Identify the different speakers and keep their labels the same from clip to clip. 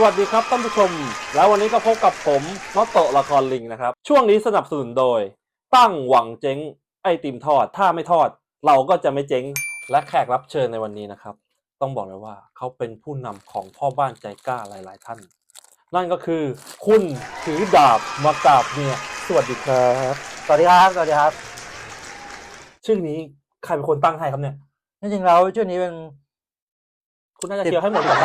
Speaker 1: วัสดีครับท่านผู้ชมแล้ววันนี้ก็พบกับผมน็อตโตะละครลิงนะครับช่วงนี้สนับสนุนโดยตั้งหวังเจ๊งไอติมทอดถ้าไม่ทอดเราก็จะไม่เจ๊งและแขกรับเชิญในวันนี้นะครับต้องบอกเลยว่าเขาเป็นผู้นำของพ่อบ้านใจกล้าหลายๆท่านนั่นก็คือคุณถือดาบมากราบเมียสวัสดีครับ
Speaker 2: สวัสดีครับสวัสดีครับ
Speaker 1: ชื่อนี้ใครเป็นคนตั้งให้ครับเนี่ย
Speaker 2: จริงๆแล้วชื่อนี้เป็น
Speaker 1: คุณน่าจะเชียร์ให้หมดก่อน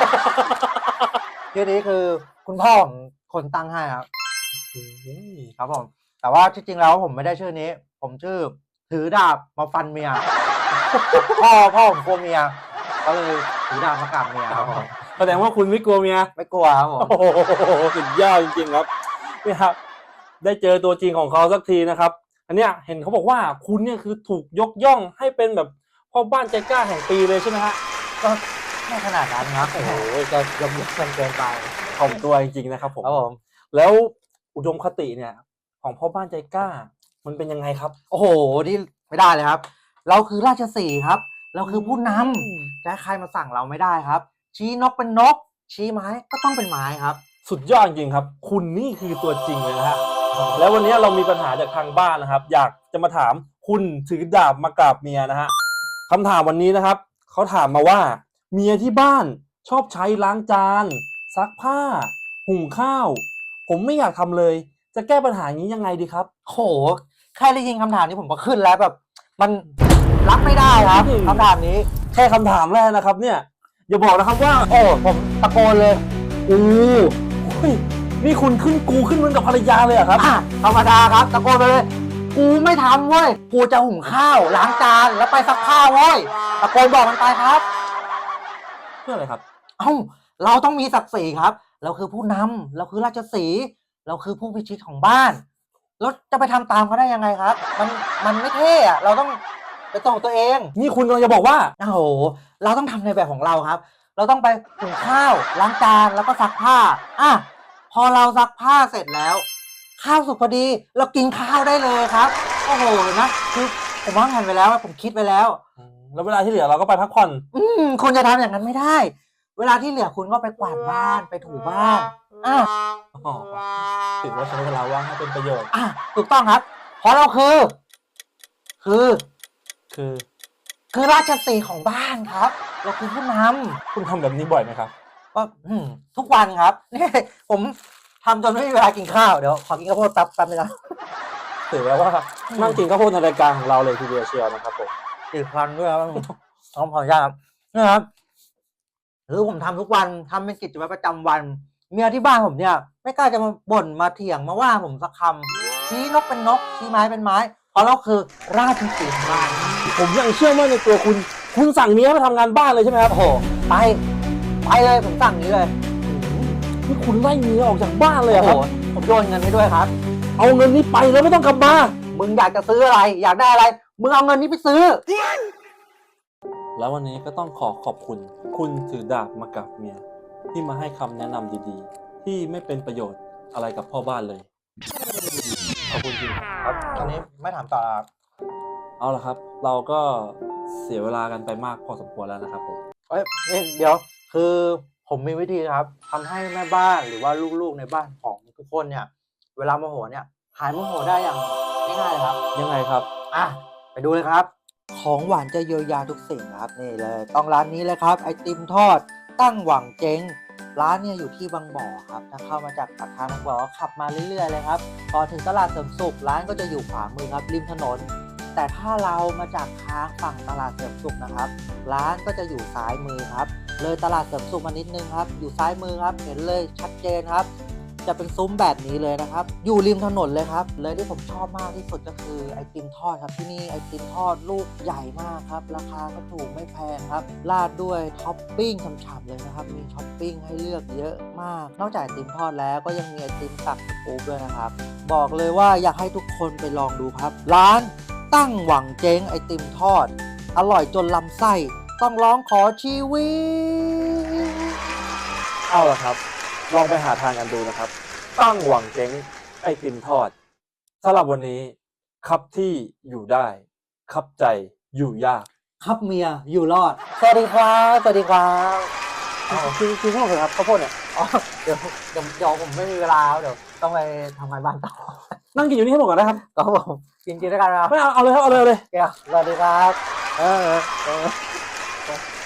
Speaker 2: ชื่อนี้คือคุณพ่อของคนตั้งให้ครับ ครับผมแต่ว่าที่จริงแล้วผมไม่ได้ชื่อนี้ ผมชื่อถือดาบมาฟันเมีย พ่อผมกลัวเมียก็เลยถือดาบมากราบเมียครับผม
Speaker 1: แสดงว่าคุณไม่กลัวเมีย
Speaker 2: ไม่กลัวครับผม
Speaker 1: โอ้โหสุดยอดจริงๆครับนี่ครับได้เจอตัวจริงของเขาสักทีนะครับอันเนี้ยเห็นเขาบอกว่าคุณเนี่ยคือถูกยกย่องให้เป็นแบบพ่อบ้านใจกล้าแห่งปีเลยใช่ไหมฮะ
Speaker 2: ก็ไม่ขนาดนั้นครับโอ้โหจะยกกันเกินไป
Speaker 1: ถ่อมตัวจริงๆนะครับผม
Speaker 2: ครับผม
Speaker 1: แล้วอุดมคติเนี่ยของพ่อบ้านใจกล้ามันเป็นยังไงครับ
Speaker 2: โอ้โหนี่ไม่ได้เลยครับ เราคือราชสีห์ครับ เราคือผู้นำจะใครมาสั่งเราไม่ได้ครับ ชี้นกเป็นนก ชี้ไม้ก็ต้องเป็นไม้ครับ
Speaker 1: สุดยอดจริงครับคุณนี่คือตัวจริงเลยนะฮะแล้ววันนี้เรามีปัญหาจากทางบ้านนะครับอยากจะมาถามคุณถือดาบมากราบเมียนะฮะคำถามวันนี้นะครับเขาถามมาว่าเมียที่บ้านชอบใช้ล้างจานซักผ้าหุงข้าวผมไม่อยากทำเลยจะแก้ปัญหานี้ยังไงดีครับ
Speaker 2: โหแค่ได้ยินคำถามนี้ผมก็ขึ้นแล้วแบบ มันรับไม่ได้ครับคำถามนี้
Speaker 1: แค่คำถามแรกนะครับเนี่ยอย่าบอกนะครับว่า
Speaker 2: โอ้ผมตะโกนเลย
Speaker 1: โอ้ยนี่คุณขึ้นกูขึ้นเหมือนกับภรรยาเลยเหรอครับ
Speaker 2: อ่ะธรรมดาครับตะโกนไปเลย กูไม่ทำเว้ย กูจะหุงข้าวล้างจานแล้วไปซักผ้าเว้ยตะโกนบอกมันไปครับ
Speaker 1: เพื่ออะไรครับ
Speaker 2: เอ้าเราต้องมีศักดิ์ศรีครับ เราคือผู้นำเราคือราชสีห์เราคือผู้พิชิตของบ้านแล้วจะไปทำตามเขาได้ยังไงครับ มันไม่เท่อะเราต้องไปตรงตัวเอง
Speaker 1: นี่คุณกำลังจะบอกว่า
Speaker 2: โอ้โหเราต้องทำในแบบของเราครับ เราต้องไปหุงข้าวล้างจานแล้วก็ซักผ้าอ่ะพอเราซักผ้าเสร็จแล้ว ข้าวสุกพอดีเรากินข้าวได้เลยครับโอ้โหนะคือผมวางแผนไปแล้วผมคิดไปแล้ว
Speaker 1: แล้วเวลาที่เหลือเราก็ไปพักผ่อน
Speaker 2: คุณจะทำอย่างนั้นไม่ได้ เวลาที่เหลือคุณก็ไปกวาดบ้านไปถูบ้านอ่ะ
Speaker 1: อ๋อถือว่าใช้เวลาว่างให้เป็นประโยชน์
Speaker 2: อ่ะถูกต้องครับ เพราะเราคือคือ คือราชสีห์ของบ้านครับ เราคือผู้น
Speaker 1: คุณทำแบบนี้บ่อยไหมครับ
Speaker 2: ำก็ทุกวันครับนี่ผมทำจนไม่มีเวลากินข้าวเดี๋ยวขอกินข้าวโพดแป๊บนึงนะ
Speaker 1: ถือว่านั่งกินข้าวโพดในรายการของเราเลยทีเดียวเชียวนะครับผม
Speaker 2: ติดฟันด้วยครับต้องขออนุญาตครับนะครับคือผมทำทุกวันทำเป็นกิจวัตรประจำวัน เมียที่บ้านผมเนี่ย ไม่กล้าจะมาบ่นมาเถียงมาว่าผมสักคำชี้นกเป็นนกชี้ไม้เป็นไม้เพราะเราคือราชสีห์ของบ้าน
Speaker 1: ผมยังเชื่อมั่นในตัวคุณ คุณสั่งเมียมาทำงานบ้านเลยใช่ไหมครับ
Speaker 2: โอ้โหไปเลยผมสั่งนี้เลย
Speaker 1: นี่คุณไล่เมียออกจากบ้านเลยเหร
Speaker 2: โอ้
Speaker 1: อ
Speaker 2: โห
Speaker 1: ครับ
Speaker 2: ผมโยนเงินให้ด้วยครับ
Speaker 1: เอาเงินนี้ไปแล้วไม่ต้องกลับมา
Speaker 2: มึงอยากจะซื้ออะไร อยากได้อะไรมึงเอาเงินนี้ไปซื้อ
Speaker 1: แล้ววันนี้ก็ต้องขอบคุณ คุณถือดาบมากับเมีย ที่มาให้คำแนะนำดีๆ ที่ไม่เป็นประโยชน์อะไรกับพ่อบ้านเลย ขอบคุณจริงครับ
Speaker 2: ครับตอนนี้ไม่ถามต่อครับ
Speaker 1: เอาละครับ เราก็เสียเวลากันไปมากพอสมควรแล้วนะครับผม
Speaker 2: เอ้ยเดี๋ยวคือผมมีวิธีครับทำให้แม่บ้านหรือว่าลูกๆในบ้านของทุกคนเนี่ย เวลาโมโหเนี่ยหายโมโหได้อย่างง่ายๆเลยครับ
Speaker 1: ยังไงครับ
Speaker 2: อ่ะไปดูเลยครับ ของหวานจะเยียวยาทุกสิ่งครับนี่เลยต้องร้านนี้เลยครับไอติมทอดตั้งหวังเจ๊งร้านเนี่ยอยู่ที่บางบ่อครับถ้าเข้ามาจากปากทางบางบ่อขับมาเรื่อยๆเลยครับพอถึงตลาดเสริมสุขร้านก็จะอยู่ขวามือครับริมถนน แต่ถ้าเรามาจากทางฝั่งตลาดเสริมสุขนะครับร้านก็จะอยู่ซ้ายมือครับเลยตลาดเสริมสุขมานิดนึงครับอยู่ซ้ายมือครับเห็นเลยชัดเจนครับจะเป็นซุ้มแบบนี้เลยนะครับอยู่ริมถนนเลยครับเลยที่ผมชอบมากที่สุดก็คือไอติมทอดครับที่นี่ไอติมทอดลูกใหญ่มากครับราคาก็ถูกไม่แพงครับราดด้วยท็อปปิ้งฉ่ำๆเลยนะครับมีท็อปปิ้งให้เลือกเยอะมากนอกจากไอติมทอดแล้วก็ยังมีไอติมตักสกู๊ปด้วยนะครับบอกเลยว่าอยากให้ทุกคนไปลองดูครับร้านตั้งหวังเจ๊งไอติมทอดอร่อยจนลำไส้ต้องร้องขอชีวิต
Speaker 1: เอาละครับ ลองไปหาทางกันดูนะครับ ตั้งหวังเจ๊งไอติมทอดสำหรับวันนี้ครับที่อยู่ได้ ครับใจอยู่ยาก
Speaker 2: ครับเมียอยู่รอด สวัสดีครับ สวัสดีครับ
Speaker 1: กินข้าวเหรอครับข้าวโพดเนี่ย
Speaker 2: อ๋อเดี๋ยวผมไม่มีเวลาเดี๋ยวต้องไปทำงานบ้านต่อ
Speaker 1: นั่งกินอยู่นี่ให้หมดก่อนนะครับ
Speaker 2: ครับผมกินด้วยกันนะครับ
Speaker 1: ไม่เอาเลยครับเอาเลย
Speaker 2: เดี๋ยวสวัสดีครับ
Speaker 1: เออ